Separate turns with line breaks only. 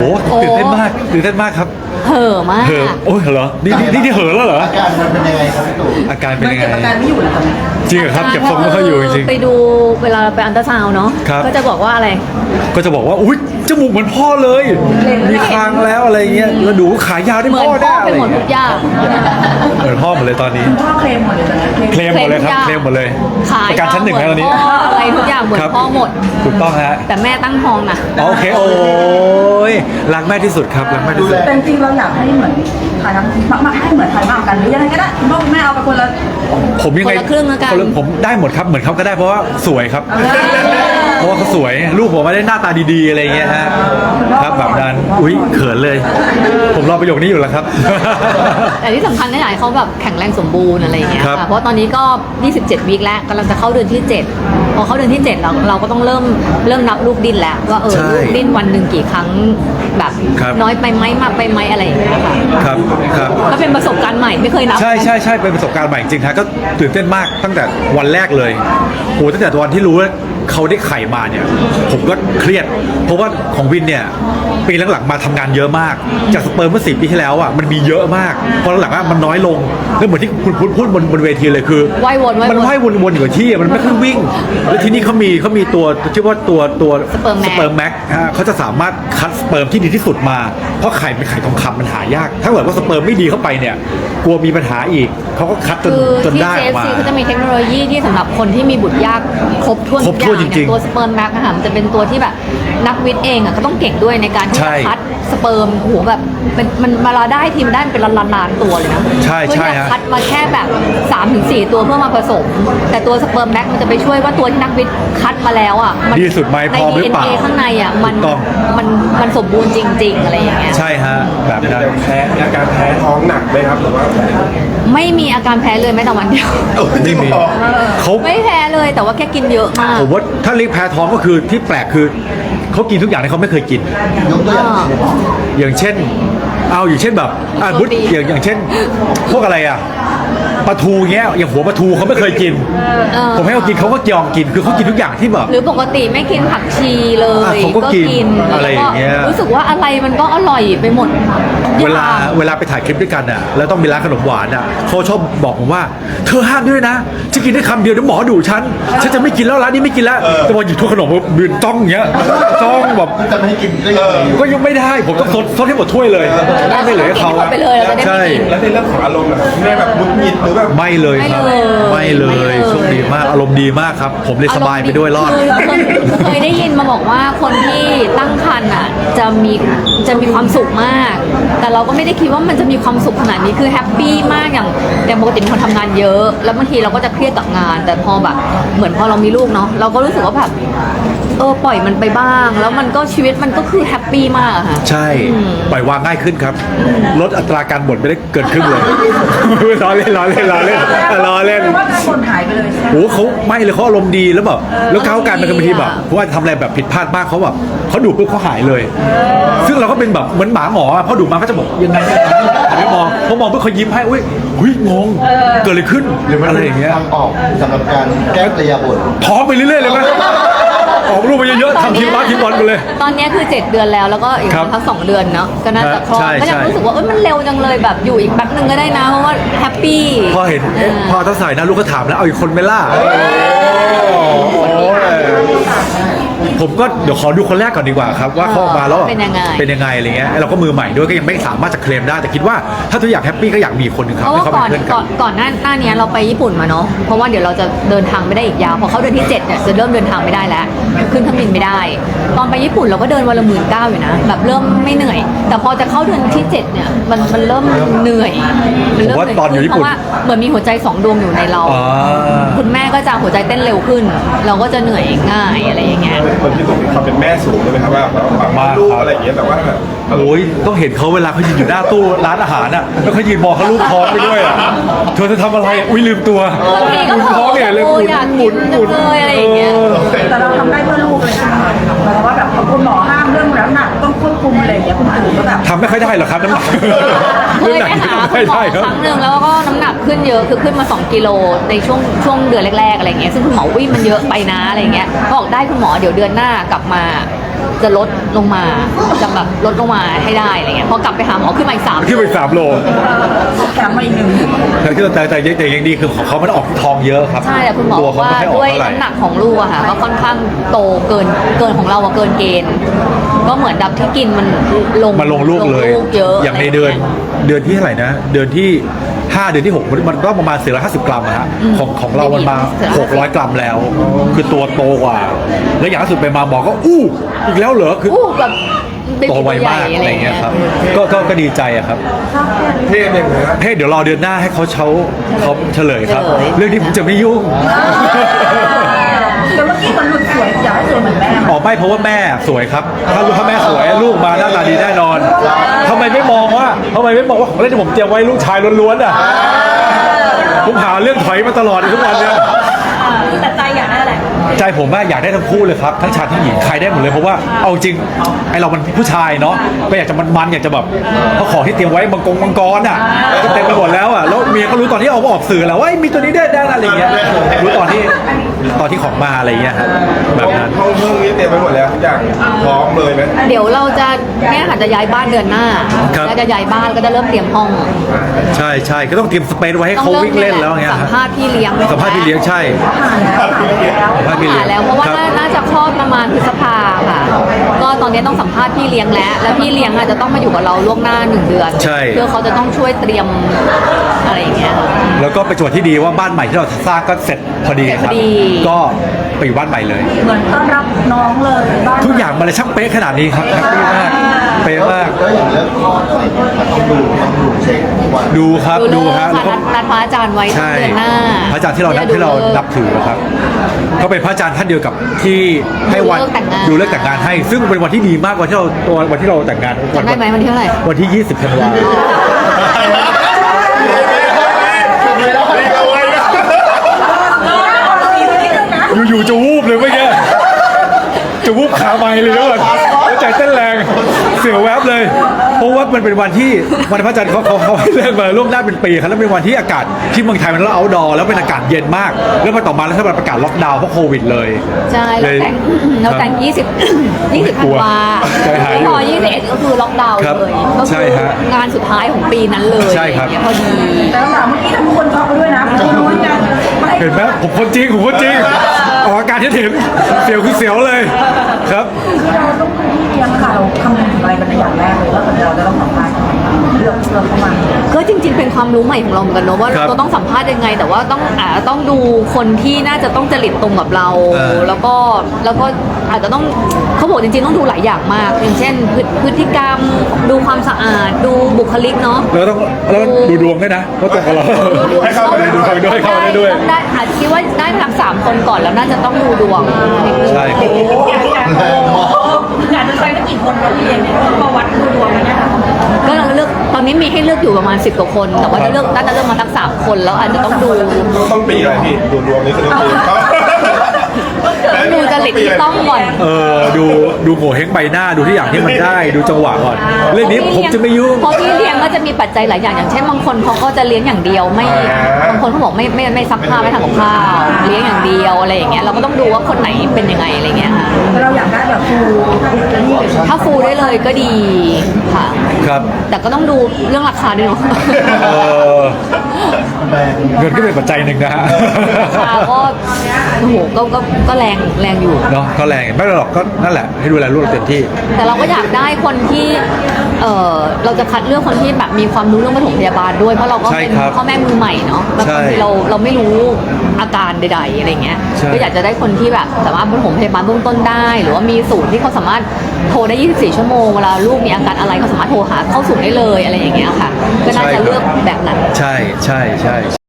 โอ้ตื่นเต้นมากครับ
เห่อมาก
เห่อโอ้ยเหรอนี่เห่อแล้วเหรอ
อาการมันเป็นยังไงครับพี่ตู่
อาการเป็นยังไง
เก็บอาการไม่อยู่แล้วตอนนี้
จริงเหรอครับเก็บทรงไม่ค่อยอยู่จริง
ไปดูเวลาไปอันตราซาวน์เนาะ
ครับ
ก็จะบอกว่าอะไร
ก็จะบอกว่าอุ้ยจมูกเหมือนพ่อเลยมีคางแล้วอะไรเงี้ยแล้วดูขายาวได้
เหมือน
พ่อ
พ่
ได้
อ
อะ
ไป
ไร
หมด
เงี้
ทุ
ย
กอย่าง
เหมือนพ่อหมดเลยตอนนี้
พ่อเคลมหมดเลยตอนนี้เคลม
เคลมหมดเลยครับเคลมหมดเลย
ขาย
ประกันชั้นหนึ่งแล้วตอนนี้
เหมืพ่ออะไรทุกอย่างเหมือน
ครับ
พ่อหมด
ถูกต้องฮะ
แต่แม่ตั้งท้องนะ
โอเคโอ้ยรักแม่ที่สุดครับรักแม่ที่สุด
แต่จริงๆเราอยากให้เหมือนถ่ายทำมาให้เหมือนถ่ายมากกันหรือยังไงก็ได้คุณพ่อคุณแม่เอาไปคนละ
ผมยังไง
คนละครึ่งแล้วกัน
ผมได้หมดครับเหมือนเขาก็ได้เพราะว่าสวยครับ เพราะว่าเขาสวยลูกผมไม่ได้หน้าตาดีๆอะไรเงี้ยฮะครับแบบนั้นอุ้ยเขินเลย ผมรอประโยคนี้อยู่แล้วครับ
แต่ที่สำคัญเนี่ยอยากให้เขาแบบแข็งแรงสมบูรณ์อะไรอย่างเงี้ย
ครับ
ค่ะเพราะตอนนี้ก็ 27 วีคแล้วกำลังจะเข้าเดือนที่ 7 พอเข้าเดือนที่ 7 เราก็ต้องเริ่มนับลูกดิ้นแล้วว่า
ใช่
ลูกดิ้นวันหนึ่งกี่ครั้งแบบ
ครับ
น้อยไปไหมมากไปไหมอะไรอย่างเงี้ยค่ะ
ครับครับ
ก็เป็นประสบการณ์ใหม่ไม่เคยนับ
ใช่เป็นประสบการณ์ใหม่จริงๆฮะก็ตื่นเต้นมากตั้งแต่วันแรกเลยโอ้ตั้งแต่วันที่รู้ว่าเขาได้ไข่มาเนี่ยผมก็เครียด เพราะว่าของวินเนี่ยปีหลังๆมาทำงานเยอะมากจากสเปิร์มเมื่อ10 ปีที่แล้วอ่ะมันมีเยอะมากพอหลังๆมันน้อยลงแล้วเหมือนที่คุณพูดบนเวทีเลยคือ
ว่ายวน
มันว่ายวนอยู่กับที่มันไม่ค่อยวิ่ง แล้วที่นี่เขามีตัวชื่อว่าตัว
สเปิร์มแม็ก
เขาจะสามารถคัดสเปิร์มที่ดีที่สุดมาเพราะไข่เป็นไข่ทองคำมันหายาก ถ้าเกิดว่าสเปิร์มไม่ดีเข้าไปเนี่ยกลัวมีปัญหาอีกเขาก็คัดจน
คือ
จน
ที่
ได้ออกมา
JFC เขาจะมีเทคโนโลยีที่สำหรับคนที่มีบุตรยากครบถ้วน
ครบถ้วน
ทุกอย่าง
จริงๆ
ตัวสเปิร์มแม็กนะคะมันจะเป็นตัวที่แบบนักวิทย์เองอ่ะก็ต้องเก่งด้วยในการที่
ใช่
จะคัดสเปิร์มโอ้โหแบบมันมาเราได้ทีมได้เป็นล้านตัวเลยนะ
ใช่
เพื่อ
ใช่
ที่จะ
ฮะ
คัดมาแค่แบบ 3-4 ตัวเพื่อมาผสม แต่ตัวสเปิร์มแม็กมันจะไปช่วยว่าตัวที่นักวิทย์คัดมาแล้วอ่ะมั
ดีสุดไหม
ใน
พร้อมหรือเปล่า
DNA ข้างในอ่ะมัน
ถูกต้อง
มันสมบูรณ์จริง ๆ อะไรอย่างเงี้ย
ใช่ฮะแบบนั้น
อาการแพ้ท้องหนักไหมครับหรือว่า
ไม่มีอาการแพ้เลยแม้แต่วันเดียว
ไม่มีเขา
ไม่แพ้เลยแต่ว่าแค่กินเยอะมาก
ผมว่าถ้าเรียกแพ้ท้องก็คือที่แปลกคือเขากินทุกอย่างที่เขาไม่เคยกิน
ยกตัวอย่างเช่น
อย่างเช่นแบบบุตอย่างเช่น พวกอะไรอ่ะปลาทูเงี้ยอย่างหัวปลาทูเขาไม่เคยกิน ผมให้เขากินเขาก็ยอมกินคือเขากินทุกอย่างที่แบบ
หรือปกติไม่กินผักชีเลย
เขาก็กินอะไรอย่างเงี้ย
แล้วก็รู้สึกว่าอะไรมันก็อร่อยไปหมด
เวลาไปถ่ายคลิปด้วยกันอ่ะแล้วต้องมีร้านขนมหวานอ่ะเขาชอบบอกผมว่าเธอห้ามด้วยนะจะกินได้คำเดียวเดี๋ยวหมอดุฉันจะไม่กินแล้วร้านนี้ไม่กินแล้วแต่พอหยิบถ้วยขนมมายืนจ้องอย่างเงี้ยจ้องแบบ
จะไม่ให้กินได้ยังไง
ก็ยังไม่ได้ผมต้องซดให้หมดถ้วยเลยไม่เหลือให้เขา
กินหมดไปเลยเราจะได้
ใช่
ไม่กิน
แล้วในเรื่องของอารมณ์นะครับแม่แบบมุดหงิดหรือแบบ
ไม่เลยครับ
ไม่
ไม่
เล
เลย ยโชคดีมากอารมณ์ดีมากครับ ผมเลยสบายไปด้วยรอด
คือเคยได้ยินมาบอกว่าคนที่ตั้งครรภ์อ่ะจะมีความสุขมาก แต่เราก็ไม่ได้คิดว่ามันจะมีความสุขขนาดนี้คือแฮปปี้มากอย่างปกติเป็นคนทำงานเยอะ แล้วบางทีเราก็จะเครียดกับงาน แต่พอแบบเหมือนพอเรามีลูกเนาะเราก็รู้สึกว่าแบบปล่อยมันไปบ้าง แล้วมันก็ชีวิตมันก็คือแฮปปี้มากอะค่ะ
ใช่ปล่อยวางง่ายขึ้นครับลดอัตราการบ่นไปได้เกินครึ่งเลย ล้อเล่น
ว่าการบ่นหายไปเลยใช่ไหม
โอ้เขาไม่เลยเขาอารมณ์ดีแล้วแบบแล้วก้าวการมันก็บางทีแบบเพราะว่าทำอะไรแบบผิดพลาดบ้างเขาแบบเขาดุปุ๊บเขาหายเลย ซึ่งเราก็เป็นแบบเหมือนหมาหมออะพอดุมาก็จะบอกยังไงหันไปมองพอมองปุ๊บเขายิ้มให้อุ้ยงงเกิดอะไรขึ้น
หรือมัน
อะไร
เป็น
อย่างเงี้ย
ทางออกสำหรับการแก้กระยาบท
ท้องไปเรื่อยๆเลยไหมออกรูปไปเยอะๆทำทีมบาสทีมบอลไปเลย
ตอนนี้คือ 7 เดือนแล้วแล้วก็อีก
ครับ
พัก2 เดือนเนาะก็น่าจะคลอด
ใช่
ก็ยัง
ใช่
รู้สึกว่ามันเร็วจังเลยแบบอยู่อีกแป๊บนึงก็ได้นะเพราะว่าแฮปปี้
พอเห็นพอถ้าใส่นะลูกก็ถามแล้วเอาอีกคนไหม่ล่ะผมก็เดี๋ยวขอดูคนแรกก่อนดีกว่าครับว่าเขาออกมาแล้ว
เป็นยังไง
อะไรเงี้ยเราก็มือใหม่ด้วยก็ยังไม่สามารถจะเคลมได้แต่คิดว่าถ้าตัวอยากแฮปปี้ก็อยากมีคนหนึ่งครั
เพ
บ
ราะ
ให้
ว่า
เขาเป็นเพื่อนกัน
ก่อนหน้านี้เราไปญี่ปุ่นมาเนาะเพราะว่าเดี๋ยวเราจะเดินทางไม่ได้อีกยาวพอเขาเดือนที่7เนี่ยจะเริ่มเดินทางไม่ได้แล้วขึ้นเครื่องบินไม่ได้ ตอนไปญี่ปุ่นเราก็เดินวันละ19,000อยู่นะแบบเริ่มไม่เหนื่อย แต่พอจะเข้าเดือนที่7เนี่ยมันเริ่มเหนื่อยมันเริ่ม
ผมว่าตอนอยู่ญี่ปุ่น
เพราะว่าเหมือนมีหัวใจ2 ดวงอยู่ในเรา
อ๋อ
คุณแม่ก็จะหัวใจเต้นเร็วขึ้น เราก็จะเหนื่อยง่ายอะไรอย่างเงี้ย
คนที่ต้องมีความเป็นแม่สูงเลยไหมครับว่าแบบว่าลูกอะไรอย่างเงี้ยแต่ว่าแบบ
โอ้ยต้องเห็นเขาเวลาเขายืนอยู่หน้าตู้ร้านอาหารอ่ะแล้วเขายืนมองเขาลูกท้องไปด้วยอ่ะเธอจะทำอะไรอุ้ยลืมตัว
บางทีก็
หมุนท้องเนี่ยเลยหมุน
อยาก
หมุน
กิน
หมุน
จังเลยอะไรอย่างเงี้ย
แต่เราทำได้เพื่อลูกเลยใช่ไหมหมายความว่าแบบคุณหมอห้ามเรื่องน้ำหนักต้องควบคุมอะไรอย่างเงี้ยคุณตู่ก็แบบ
ทำไม่ค่อยได้หรอกครับน้ำหนัก
เคยไปหาคุณหมอครั้งหนึ่งแล้วก็น้ำหนักขึ้นเยอะคือขึ้นมา2 กิโลในช่วงเดือนแรกๆอะไรเงี้ยซึ่งคุณหมอวิ่งมันเยอะไปนะอะไรเงี้ยบอกได้คุณหมอเดี๋ยวเดือนหน้ากลับมาจะลดลงมาจะแบบลดลงมาให้ได้อะไรเงี้ยพอกลับไปหาหมอขึ้นมาอีก3
ขึ้นไป3 โล
แถมมาอีกหนึ่ง
แต่ยังดีคือของเขามันออกทองเยอะครับ
ใช่แต่คุณหมอ
ตัว
บอก
เขา
ว่า
ไม่ให้ออก
ด้วย
เท่าไหร่
น้ำหนักของลูกอะค่ะก็ค่อนข้างโตเกินของเราอะเกินเกณฑ์ ก็เหมือนดับที่กินมันลง
มาลงลูกเลย
เยอะ
อย่างในเดือนที่เท่าไหร่นะ เดือนที่ 5 เดือนที่ 6 มันก็ประมาณ450 กรัมอะฮะของเรามันมา 600 กรัมแล้ว คือตัวโตกว่า แล้วอย่างล่าสุดไปมาหมอก็อู้อีกแล้วเหรอคือ
อู้แบบเป็น
โตไวมาก
ใหญ่
อะไรเงี้ยครับก็ดีใจอะครับ
เพศเนี่ยนะ
เดี๋ยวรอเดือนหน้าให้เขาเฉลยครับ เรื่องนี้ผมจะไม่ยุ่ง
แต่เมื่อกี้มันหลุดสวยอยากให้สวยเหมือนแม่
ออกไม่เพราะว่าแม่สวยครับ ถ้าแม่สวยลูกมาหน้าตาดีแน่นอนทำไมไม่มองว่าของเล่นที่ผมเตรียมไว้ลูกชายล้วนๆอ่ะผมหาเรื่องถอยมาตลอดทุกวันเนี่ย
แต่ใจอยากได้อะไร
ใจผมว่าอยากได้ทั้งคู่เลยครับทั้งชายทั้งหญิงใครได้หมดเลยเพราะว่าเอาจริงไอเรามันผู้ชายเนาะก็อยากจะมันอยากจะแบบเพราะของที่เตรียมไว้มังกรอ่ะก็เต็มไปหมดแล้วอ่ะแล้วเมียก็รู้ตอนที่เอาออกสื่อแล้วว่ามีตัวนี้ได้อะไรอย่างเงี้ยรู้ตอนที่ของมาอะไรอย่างเงี้ยครับแบบนั้น
ห้องนี้เต็มไปหมดแล้วทุกอย่างพร้อมเลยไหม
เดี๋ยวเราจะแม่ค่ะจะย้ายบ้านเดือนหน้า
ครับ
แล้วจะย้ายบ้านก็จะเริ่มเตรียมห้อง
ใช่ก็ต้องเตรียมสเปซไว้ให้
ต้อง
เขา
เริ่ม
วิ่งเล่นแล้วเงี้ย
สัมภาษณ์พี่เลี้ยง
สัมภาษณ์พี่เลี้ยงใช่สัมภาษณ์พี่เลี้ยง
แล้วเพราะว่า
คบ
น่าจะคลอดประมาณพฤษภาค่ะ ก็ตอนนี้ต้องสัมภาษณ์พี่เลี้ยงแล้วพี่เลี้ยงอาจจะต้องมาอยู่กับเราล่วงหน้า1 เดือน
ใช่
เพื่อเขาจะต้องช่วยเตรียมอะไรอย่างเงี้ยค่ะ
แล้วก็เป็นจังหวะที่ดีว่าบ้านใหม่ที่เราสร้างก็เสร็จพอดีครับ
เสร็จพอดี
ก็ไปอยู่บ้านใหม่เลย
เหมือนต้อนรับน้องเลยบ้าน
ทุกอย่างมันเลยช่างเป๊ะขนาดนี้ครับแฮปปี้มากเป๊ะมาก
ก็อย่างเรื่องคอร์สอะไรอย่างเงี้ยต้องดูเช็คทุกวัน
ดูครับ
ดู
ดู
เลิก
ฮะแล้วก็
ค่ะนัดพระอาจารย์ไว้
ใช่
เดือนหน้า
พระอาจารย์ที่เรานับถือครับก็เป็นพระอาจารย์ท่านเดียวกับที่ให้วัน
ดูเลิกแต่งงาน
ให้ ซึ่งเป็นวันที่ดีมากวันที่เราแต่งงาน
จำได้ไหมวันที่เท่าไหร่
วันที่ 20 ธันวาคมอยู่ๆจะวูบเลยเมื่อกี้จะวูบขาไม้เลยแล้วแล้วใจเต้นแรงเสียวแวบเลย เพราะว่ามันเป็นวันที่พระอาจารย์เขาให้เลิกมาล่วงหน้าเป็นปีครับแล้วเป็นวันที่อากาศที่เมืองไทยมันเอาท์ดอร์แล้วเป็นอากาศเย็นมาก แล้วมาต่อมาแล้วถ้ามันประกาศล็อกดาวน์เพราะโควิดเลย
ใช่เราแต่ง20ธันวา
ใจหายอยู่
พอ21ก็คือล็อกดาวน์
ครับ
เลยก็
ใช่
คือ
ฮะ
งานสุดท้ายของปีนั้นเลย
ใช่ครับ
อย่างเงี้ยพอดี
แต่คำถามเมื่อกี้ทำให้คนช็อกไปด้วยนะคุณรู้ยังไม่
เห็นไหมผมคนจริงออกอาการที่เห็นเสียวคือเสียวเลยครับ
ที่เราต้องดูที่เลี้ยงค่ะเราคำนึงถึงอะไรเป็นอย่างแรกเลยว่าเราจะต้องสัมภาษณ์เลือกเข้ามา
ก็จริงๆ เป็นความรู้ใหม่ของเราเหมือนกันเนอะว่า
ครับ
เราต้องสัมภาษณ์ยังไง แต่ว่าต้องดูคนที่น่าจะต้องจริตตรงกับเรา แล้วก็อาจจะต้องเขาบอกจริงๆต้องดูหลายอย่างมาก อย่างเช่นพฤติกรรมดูความสะอาดดูบุคลิกเนาะ
แล้วต้องดูดวงด้วยนะว่าตรงกับเราให้เข้าไปดูดวงด้วยเข้าไปได้ด้วย
ได้อาจจะคิดว่าได้ทั้ง3 คนก่อนแล้วน่าจะต้องดูดวง
ใช่ครับ
อยากจะไปสักกี่คนเราเรียนเนี่ยมาวัดดูดวงกันนะคะ
ก็เราเลือกตอนนี้มีให้เลือกอยู่ประมาณ10 กว่าคน แต่ว่าน่าจะเลือกมาทั้ง3 คนแล้วอาจจะต้องดู
ต้องปีอะไรพี่ดูดวงนี้คือต้องปี
ดูจริตที่ต้องก่อน
ดูโง่เฮงใบหน้าดูที่อย่างที่มันได้ดูจังหวะก่อนเรื่องนี้ผมจะไม่ยุ่ง
เพราะพี่เลี้ยงก็จะมีปัจจัยหลายอย่างอย่างเช่นบางคนเขาก็จะเลี้ยงอย่างเดียวบางคนเขาบอกไม่ซักผ้าไม่ทำกับข้าวเลี้ยงอย่างเดียวอะไรอย่างเงี้ยเราก็ต้องดูว่าคนไหนเป็นยังไงอะไรเงี้ยค่ะ
เราอยากได้แบบฟูนี่เลย
ถ้าฟูได้เลยก็ดีค่ะ
ครับ
แต่ก็ต้องดูเรื่องราคาด้วยเนาะ
เออเงินก็เป็นปัจจัยหนึ่งนะฮะ
ราคาก็โอ้โหก็แรงอยู่
เนาะก็แรงไม่เป็นไรหรอกก็นั่นแหละให้ดูแลลูกเราเต็มที่
แต่เราก็อยากได้คนที่เราจะคัดเลือกคนที่แบบมีความรู้เรื่องปฐมพยาบาลด้วยเพราะเราก็
ใช่
เป็น
ครับ
พ่อแม่มือใหม่เนาะแล้ว
ใช่
บางทีเราไม่รู้อาการใดๆอะไรเงี้ย
ใช่
ก็อยากจะได้คนที่แบบสามารถปฐมพยาบาลเบื้องต้นได้ หรือว่ามีศูนย์ที่เขาสามารถโทรได้ 24 ชั่วโมงเวลาลูกมีอาการอะไรเขาสามารถโทรหาเข้าศูนย์ได้เลยอะไรอย่างเงี้ยค่ะ ก็น่าจะเลือกแบบนั้น
ใช่